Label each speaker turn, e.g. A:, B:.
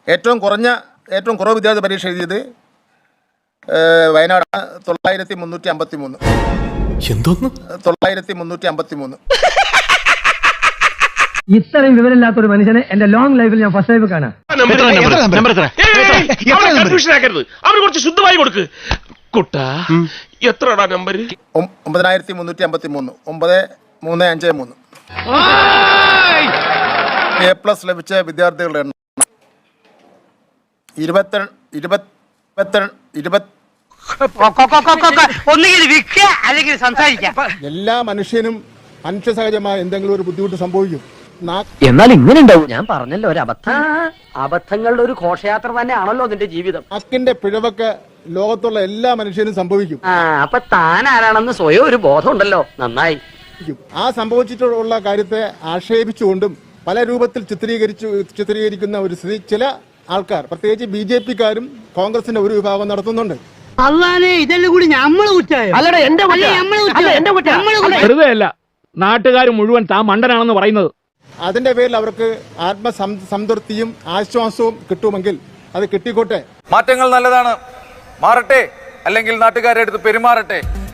A: ഏറ്റവും കുറവ് വിദ്യാർത്ഥി പരീക്ഷ എഴുതിയത് വയനാട് 9353.
B: എന്തോന്ന്
A: 9353.
C: ഇത്രയും വിവരമില്ലാത്ത ഒരു മനുഷ്യനെ എന്റെ ലോങ് ലൈഫിൽ ഞാൻ ഫസ്റ്റ് ടൈം കാണാം.
D: അവര് കുറച്ച് ശുദ്ധമായി കൊടുക്ക് കുട്ടാ. എത്രടാ നമ്പർ?
A: 9353. 9353. A+ ലഭിച്ച വിദ്യാർത്ഥികളുടെ എണ്ണം
C: 22.
E: എല്ലാ മനുഷ്യനും മനുഷ്യ സഹജമായ എന്തെങ്കിലും ഒരു ബുദ്ധിമുട്ട് സംഭവിക്കും.
C: എന്നാൽ ഇങ്ങനെ ഉണ്ടാവും. ഞാൻ പറഞ്ഞല്ലോ ഒരു അബദ്ധങ്ങളുടെ ഒരു ഘോഷയാത്ര തന്നെയാണല്ലോ നിന്റെ ജീവിതം.
E: നാക്കിന്റെ പിഴവൊക്കെ ലോകത്തുള്ള എല്ലാ മനുഷ്യനും സംഭവിക്കും.
C: അപ്പൊ താൻ ആരാണെന്ന് സ്വയം ഒരു ബോധം ഉണ്ടല്ലോ. നന്നായി.
E: ആ സംഭവിച്ചിട്ടുള്ള കാര്യത്തെ ആക്ഷേപിച്ചുകൊണ്ടും പല രൂപത്തിൽ ചിത്രീകരിക്കുന്ന ഒരു സ്ഥിതി ചില ആൾക്കാർ, പ്രത്യേകിച്ച് BJP-ക്കാരും കോൺഗ്രസിന്റെ ഒരു വിഭാഗം നടത്തുന്നുണ്ട്.
F: വെറുതെ അല്ല നാട്ടുകാർ മുഴുവൻ താൻ മണ്ടനാണെന്ന് പറയുന്നത്.
E: അതിന്റെ പേരിൽ അവർക്ക് ആത്മസംതൃപ്തിയും ആശ്വാസവും കിട്ടുമെങ്കിൽ അത് കിട്ടിക്കോട്ടെ.
G: മാറ്റങ്ങൾ നല്ലതാണ്, മാറട്ടെ, അല്ലെങ്കിൽ നാട്ടുകാരെ അടുത്ത് പെരുമാറട്ടെ.